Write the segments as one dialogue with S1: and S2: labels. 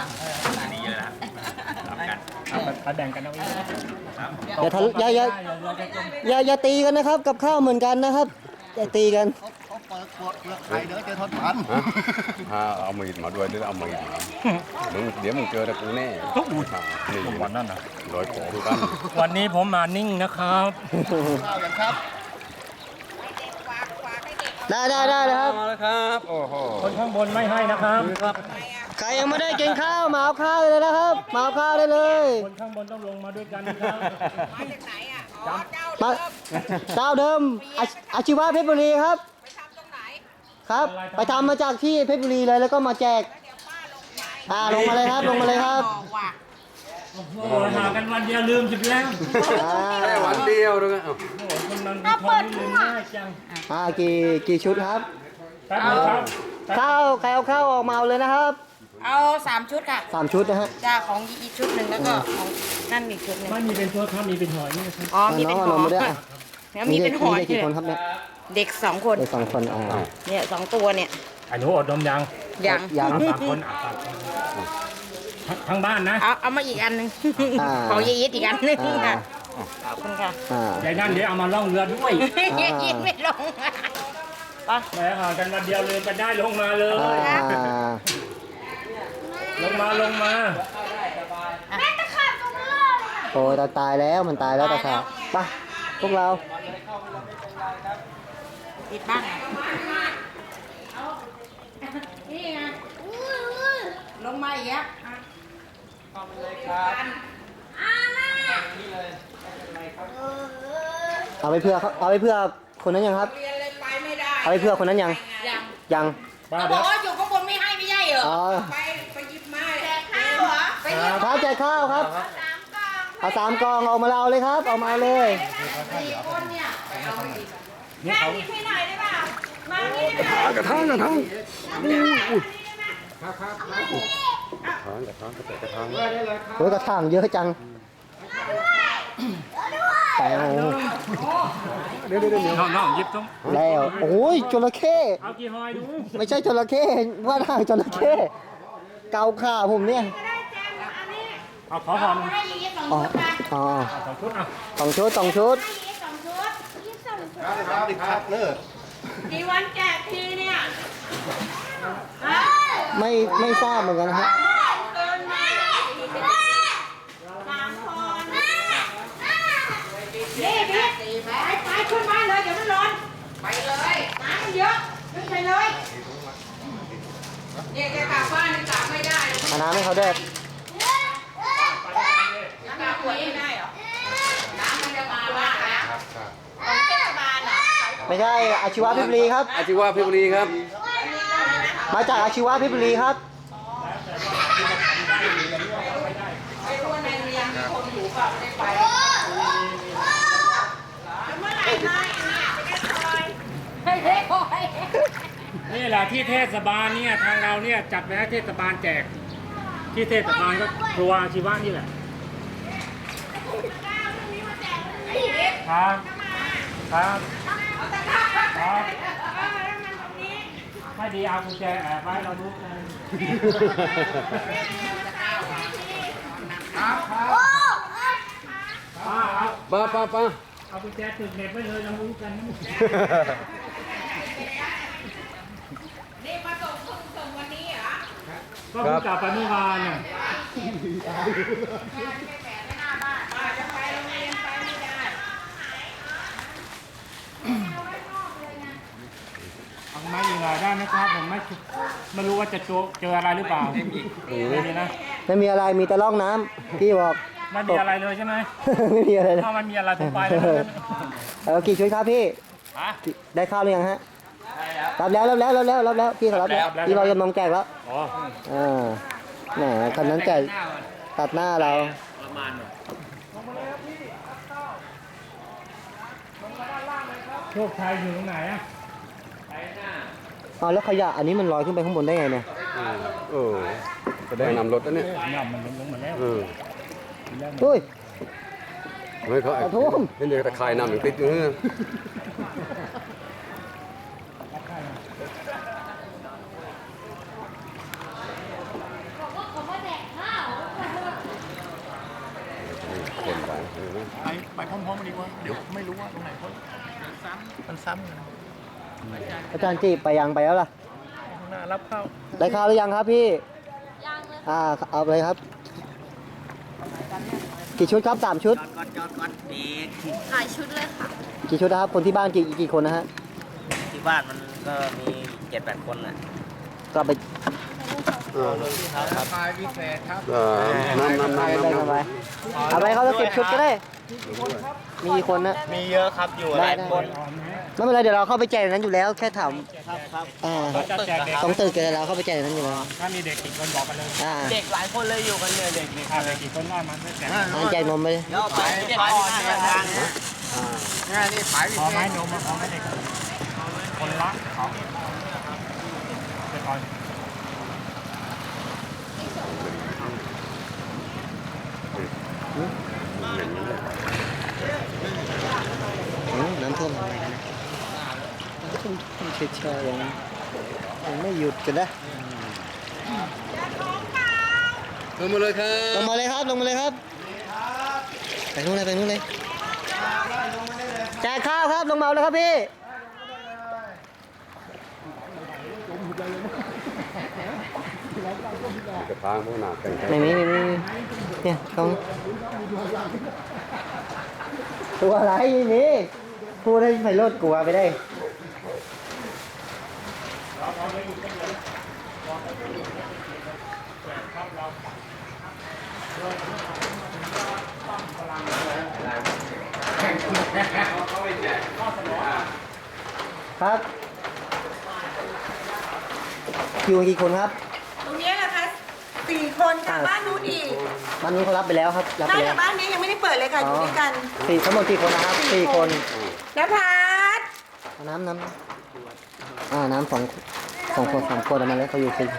S1: ดีเลยนะรับกัน
S2: แบ่งกันเอาเอง
S3: อย่าทะอย่าตีกันนะครับ กับข้าวเหมือนกันนะครับอย่าตีกัน
S4: เขาเปิดขวดเปลือกไข่เดี๋ยวเจอทอดมัน
S5: เอามีดมาด้วยหรือเอามีดมาเดี๋ยวมึงเจอแต่กูแน่นี่
S2: วันนั้นนะ
S5: ร้อยของกัน
S2: วันนี้ผมมานิ่งนะครับ
S4: ข้าวอย่างครับ
S3: ได้เลยครับ
S5: มาแล้วครับโอ้โห
S2: คนข้างบนไม่ให้นะครับ
S3: ใครยังไม่ได้กินข้าวมาเอาข้าวเลยนะครับมาเอาข้าวได้เลย
S2: คนข้างบนต้องลงมาด้วยกันนะครับ
S6: มาจากไหนอ่ะอ๋อเจ้า
S3: มา
S6: เดิม
S3: เจ้าเดิมอาชีวะเพชรบุรีครับ
S6: ไปทำตรงไหน
S3: ครับ ไปทำมาจากที่เพชรบุรีเลยแล้วก็มาแจก
S6: เดี๋ยวป้าลงไป
S3: ลงมาเลยครับลงมาเลยครับ
S6: บอกว่า
S2: โอ้โหหากันวันเดียวลืมจิบแล้ว
S5: แค่วันเดียวด้วยกัน
S2: โอ้โหคนนั้นมีความลืมง่ายจัง
S3: กี่ชุดครับ
S2: แป๊บนึงครับ
S3: ข้าวใครเอาข้าวออกมาเอาเลยนะครับ
S6: เอา3 ชุดค่ะ
S3: 3 ชุดนะฮะ
S6: จ้าของอีกชุดหนึ่งแล้วก็ของนั่นอีกชุดหนึ่ง
S2: ไม่มีเป็นตัวครับมีเป็นหอยนี่ครับ
S6: อ๋อมีเป็น
S3: น้อง
S6: ห
S3: เอา
S6: อน
S3: มมาด้วยอ่ะ
S6: แล้วมีเป็นหอย
S3: ได้กี่คนครับเนี่ย
S6: เด็ก2 คน
S3: ได้2 คน
S6: เนี่ย2 ตัวเนี่ย
S2: ไอ้หนูอดดมยัง
S6: ยัง
S3: ยัง
S2: สามคนอ่ะสามคนทั้งบ้านนะ
S6: เอามาอีกอันหนึ่งของยายอีทอีกอันหนึ่งค่ะขอบคุณค่ะ
S2: ยายนั่นเดี๋ยวเอามาล่องเรือด้วย
S6: ยายอีทไม่ลงไป
S2: แหมห่างกันวันเดียวเลยกันได้ลงมาเลย ลงมา
S3: โอ้ยตายแล้วมันตายแล้วตาขาบไปพวกเรา
S6: ปิดบ้านนี่ไงลงมาอีกแล้ว
S3: เอาไปเพื่อคนนั้นยังครับ
S6: เรียนเลยไปไม่ได้
S3: เอาไปเพื่อคนนั้นยัง ยัง
S2: ป้า
S6: เขาบ
S2: เดี๋
S6: อย ก
S2: ว
S6: ว่าอยู่ข้างบนไม่ให้ไม่ใช่เหรอ
S3: อ๋อ
S6: ไปหยิบมาแจกข้าวเหรอไปหยิบ
S3: ครับแจกข้าวครับ เอา3 กล่องเอามาเอาเลยครับเอามาเอาเลย
S6: 4 คนเนี่ย
S2: นี่เขา
S6: พี่หน่อยได้ป่ะมานี่ได้ป่ะ
S5: กระทั่งอุ้ย
S3: โอ้ยกระถางเยอะจังแต่
S2: น้องยิบต้อง
S3: แล้วโอ้ยจระเข้
S2: เอากี่หอยดู
S3: ไม่ใช่จระเข้ว่าทางจระเข้เกาขาผมเนี่ย
S2: เอาขอหอม
S6: ให้อย่างนี้2
S3: อ๋อ
S6: ชุดนะ
S3: อ๋อ
S2: 2 ชุดอ่ะ
S3: 2 ชุด
S6: ให้อย่างนี้2 ชุด
S4: ครับดิครับเลิก
S6: กี่วันแจกทีเนี่ยฮะ
S3: ไม่ทราบเหมือนกันนะฮะ
S6: เกินมา3 คนนี่พี่ไปขึ้นบ้านเลยเดี๋ยวมันร้อนไปเลยน้ำมันเยอะขึ้นไปเลยเนี่ยจะกลับบ้านยังกลับไม่ได้
S3: เอาน้ำให้เขาด้วย
S6: น้ำกลับหัวไม่ได้เหรอน้ำมันจะมาบ้านแล้วของเทศบาลเหรอ
S3: ไม่ใช่อาชีวะเพชรบุรีครับ
S5: อาชีวะเพชรบุรีครับ
S3: มาจากอาชีวะเพชรบุรีครับ
S6: ไม่รู้ว่าในโรงเรียนมีคนอยู่เปล่าไม่ได้ไปแล้วเมื่อไหร่นายเนี่ยจะได้คอยไม่ได้คอย
S2: นี่แหละที่เทศบาลเนี่ยทางเราเนี่ยจัดไว้ให้เทศบาลแจก ที่เทศบาลก็ครัวอาชีวะนี่แหละครับครับครับถ้าดีเอากุญแจแอบไว้เรารู้กันครับป้าเอา
S5: ป้า
S2: เอากุญแจติดเน็ตไว้เลยเรารู้กัน
S6: นี่มาส่งวันนี้เหรอ
S2: ก็เพิ่งกลับไปเมื่อวานน่ะ
S6: จะไปโรงเรียนไปไม่ได้
S2: เอาไม้ยิงอะไรได้ไหมครับผมไม่รู้ว่าจะเจออะไรหรือเปล่าไม่มีนะ
S3: ไม่มีอะไรมีแต่ร่องน้ำพี่บอก
S2: ไม่มีอะไรเลยใช่ไหม
S3: ไม่มีอะไรเลย
S2: ถ้ามันมีอะไรผมไปเลยนะ
S3: กี่ชุดครับพี่
S2: ฮะ
S3: ได้ข้าวหรือยังฮะรับแล้วพี่เขารับแล้วพี่เราจะมองแจกแล้ว
S2: อ๋อ
S3: แหมคันนั้นแจกตัดหน้าเรา
S2: โชคชัยอยู่ตรงไหนอะ
S3: แล้วขยะอันนี้มันลอยขึ้นไปข้างบนได้ไงเนี่ย
S5: จะได้นำรถแล้วเนี่ย
S2: น้ำมันลงมาแล้ว
S3: เฮ้ย
S5: เฮ้ยเขา
S3: ขอโทษ
S5: เห็นเด็กตะคายนำอย่างติดอยู่เนี่ย
S6: บอกว่าเขามาแจก
S4: ไปพร้อมๆกันดีกว่าเดี๋ยวไม่รู้ว่าตรงไหนเขามันซ้ำกัน
S3: อาจารย์จีไปยังไปแล้วล่ะ
S4: ข้างหน้ารับเข้า
S3: ได้ข้าวหรือยังครับพี่
S6: ยังเลย
S3: เอาเลยครับ กี่ชุดครับ3 ชุด
S6: หลายชุดเลยค่ะ
S3: กี่ชุดนะครับ คนที่บ้านกี่คนนะฮะ
S7: ที่บ้านมันก็มี7-8 คนนะ
S3: ก็ไป
S4: ขายพิเศษครับ
S5: น้ำ
S3: ได้กันไปเอาไปเขาจะ10 ชุดก็ได้ มีกี่คนนะ
S7: มีเยอะครับอยู่หลายคน
S3: ไม่เป็นไรเดี๋ยวเราเข้าไปแจกในนั้นอยู่แล้วแค่ถาม
S7: ครับ
S2: เราจะแจกเด็ก
S3: ต้องตื่นกันเราเข้าไปแจกในนั้นอยู่แล้ว
S2: ถ้ามีเด็กกี่คนบอกกันเลย
S7: เด็กหลายคนเลยอยู่กันเนี่ยเด็ก
S2: ถ้าเด็กกี่คนน้อยมันไม่แจก
S3: แจกนมไปเลย
S7: ๆแล้วไปขายที่ทางนะ
S4: นี่ขายพิ
S2: พอ
S4: เศ
S2: ไหม
S4: ษ
S2: นมพอไหมเด็กคนละ2เดี๋ยวก่อน
S3: น้ำท่วมอะไรกันนะน้ำท่วมเฉยๆยังไม่หยุดกันนะ
S5: ลงมาเลยครับ
S3: ลงมาเลยครับลงมาเลยครับไปนู่นเลยไปนู่นเลยแจกข้าวครับลงมาเลยครับพี่
S5: กระทางพวกหนาแต่ง
S3: ไม่มีเนี่ยต้องตัวอะไรนี่พูดให้ไพโรจน์กลัวไปได้ครับอยู่กี่คนครับ
S6: ตรงนี้นะคะ4 คนค่ะบ้านนู้นอีก
S3: บ้านนู้นเขารับไปแล้วครับรับ
S6: ใช่
S3: ไปแล้
S6: แต่
S3: ว
S6: บ้านนี้ยังไม่ได้เปิดเลยค่ะอยู่ด้วยกัน
S3: ทั้งหมดกี่คนนะครับ4 คน
S6: นภัส
S3: เอาน้ำน้ำ2 ขวด 3 ขวดเอามาแล้วเขาอยู่4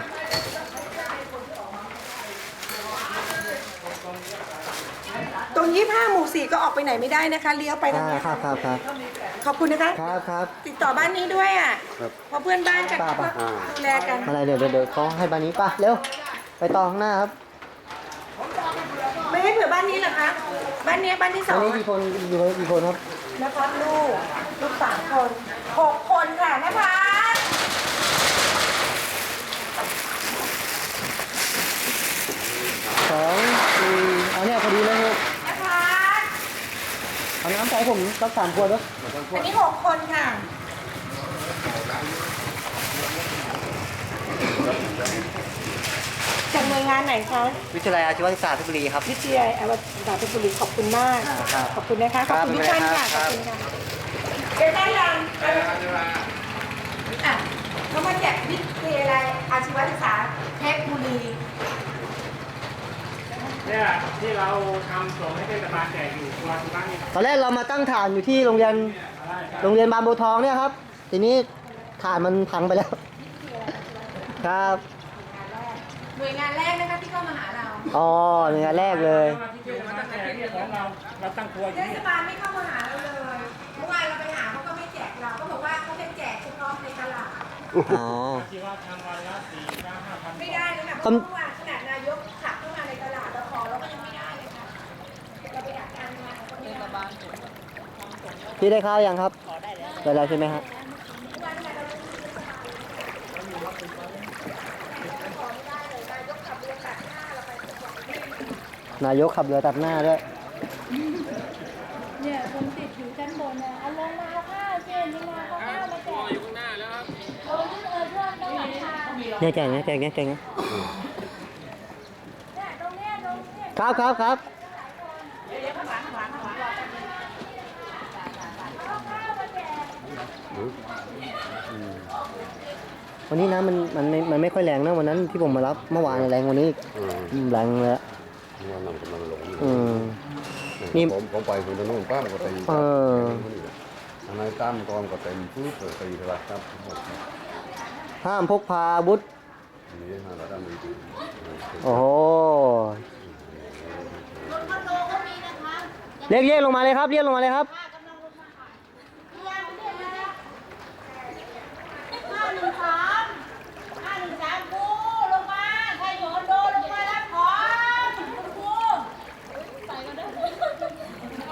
S6: ตรง25 หมู่ 4ก็ออกไปไหนไม่ได้นะคะเลี้ยวไปทางนี้
S3: ครับ
S6: ขอบคุณนะคะ
S3: ครับ
S6: ติดต่อบ้านนี้ด้วยอ่ะเพราะเพื่อนบ้านจะ
S3: ป่ะ
S6: ดูแลกัน
S3: มาเลยเดี๋ยวเขาให้บ้านนี้ป่ะเร็วไปต่อข้างหน้าครับ
S6: ไม่ให้เผื่อบ้านนี้เหรอคะบ้านนี้บ้านที่
S3: บ้านนี้
S6: 2
S3: กี่คนอยู่กี่คนครับ
S6: นภัสลูก3 คน6 คนค่ะนภัส
S3: 2 4เอาเนี่ยพอดีเลยครับ
S6: นภัส
S3: เอาน้ำใส่ผมสัก3 ขวดด้วย
S6: อันนี้6 คนค่ะจากหน่วยงานไหนคะ
S3: วิทยาลัยอาชีวศึกษาเพชรบุรีครับ
S6: วิทยาลัยอาชีวะเพชรบุรีขอบคุณมาก
S3: ครับ
S6: ขอบคุณนะคะ ขอบคุณทุกท่านค่ะ ข
S3: ครั
S6: อบบ คุณค่ะเก็บได้ยังอ่ะเขามาแจกวิทยาลัยอาชีวศึกษาเพชรบุรี
S2: เนี่ยที่เราทำส่งให้เทศบาลแจกอยู่ตัวที่บ้านนี่
S3: ตอนแรกเรามาตั้งฐานอยู่ที่โรงเรียนบางบัวทองเนี่ยครับ ทีนี้ฐานมันพังไปแล้ว ครับ
S6: หน่วยงานแรกนะคะที่เข้ามาหาเรา
S3: อ๋อหน่วยงานแรกเลย
S2: ที่เทศบาลแจกเนี่ยของเราตั้งครัวอยู่
S6: เท
S2: นี่
S6: ศบาลไม่เข้ามาหาเราเลยเมื่อวานเราไปหาเขาก็ไม่แจกเราก็บอกว่าเขาจะแจกเฉพาะในตลาด
S3: อ๋อ
S2: ที่ว่าทำวันละ4-5,000
S6: ไม่ได้เลยค่ะเพราะเมื่อวานขนาดนายกขับเข้ามาในตลาดเราขอเราก็ยังไม่ได้เลยค่ะเราไปดักการงานของคนในตลาด
S3: พี่ได้ข้าวยังครับได้แล้วใช่ไหมครับนายกขับเรือตัดหน้าด้วย
S8: เนี่ยคนติดอยู่ชั้นบนเนี่ยเอาลงมาเอาข้าวเช่นนี่มาเอาข้าวมาแจกอยู่ข้างหน้าแล้วครับโอ้ยเพื่อนต้องหลังคา
S3: เนี่ยแจกนะ
S8: เนี่ยตรงเนี้ย
S3: ครับ วันนี้น้ำมันไม่ค่อยแรงนะวันนั้นที่ผมมารับเมื่อวานแรงกวันนี้แรงเลย
S5: ว่าน้ำกำลังหลงอยู่
S3: นี่
S5: ผมไปคนนู้นป้ามก็ตีอันนั้นตั้มกองก็เต็มพื้นตีตลาดครับ
S3: ห้ามพกพาอาวุธ
S5: นี่ฮะเราได้มี
S3: โอ้โหเรียกลงมาเลยครับเรียกลงมาเลยครับ
S8: 513กูลงมาใครโยนโดนลงมารับของคุณครูใส่กันด้วย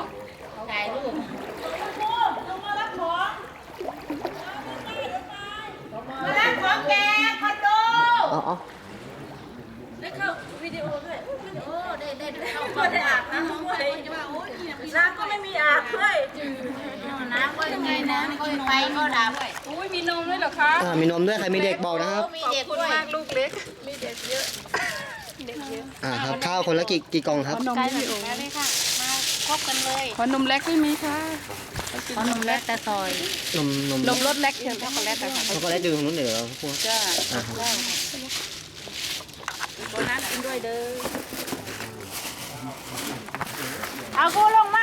S6: ได้เข้าวิดีโอด้วย
S8: โอ้ได้เข้า
S6: ก็ได้อาบน้ำด้วยน้ำก็ไม่มีอาบด้วย
S8: น้ำก็ยังไงนะไฟก็ดับ
S6: อุ้ยมีนมด้วยเหรอคะ
S3: มีนมด้วยใครมีเด็กบอกนะครับ
S8: มีเด็กด้วย
S6: มากลูกเล็ก มีเด็กเยอะ เด็กเยอะ
S3: ครับข้าวคนละกี่กล่องครับ
S8: ใกล้ถึงแล้วเลยค่ะ มาพบกันเลย
S6: ขอนมเล็กไม่มีค่ะ
S8: ขอนมเล็กแต่ซอย
S3: นม
S6: นมรสเล็กเชิญช็อกโกแลตนะคะ
S3: ช็อกโกแลตดื่มนู้นเดี๋ยวพวก
S6: จ้า
S3: อ่าครับ
S6: โบนัสกินด้วยเด้อ
S8: เอากูลงมา